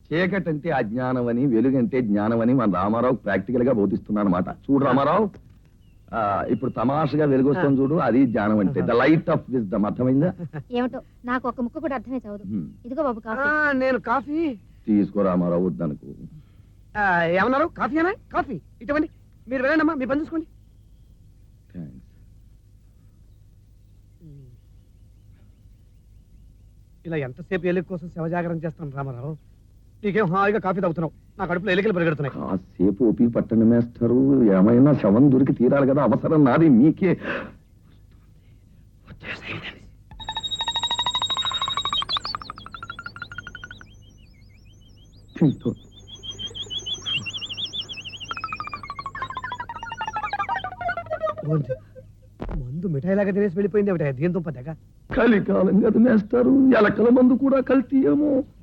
చీకటి అంటే అజ్ఞానం అని, వెలుగంటే జ్ఞానం అని మన రామారావు ప్రాక్టికల్ గా బోధిస్తున్నాను అనమాట. చూడు రామారావు, ఇప్పుడు తమాషగా వెలుగు వస్తుంది చూడు, అది జ్ఞానం అంటే ద లైట్ ఆఫ్ విజ్డమ్. అర్థమైందా? ఏమిటో నాకు ఒక ముక్క కూడా అర్థమే చదవదు. ఇదిగో బాబు కాఫీ. నేను కాఫీ తీసుకో రామారావు, వద్దనుకో. ఏమన్నారు? కాఫీనా? కాఫీ ఇటువంటి మీరు వెళ్ళండమ్మా, మీ పని చూసుకోండి. ఇలా ఎంతసేపు ఎలుగు కోసం శవజాగరణ చేస్తాను రామారావు? నీకేం హాయిగా కాఫీ తాగుతున్నావు, నా కడుపులో ఎలుకలు పరిగెడుతున్నాయి. కాసేపు ఓపిక పట్టండి మేస్టరు, ఏమైనా శవం దొరికి తీరాలి కదా, అవసరం నాది. మీకే మందు మిఠాయిలాగా తినేసి వెళ్ళిపోయింది ఏమిటా దీని దుంప దగ్గర. కలికాలం కదా మేస్టారు, ఎలకల మందు కూడా కల్తీయేమో.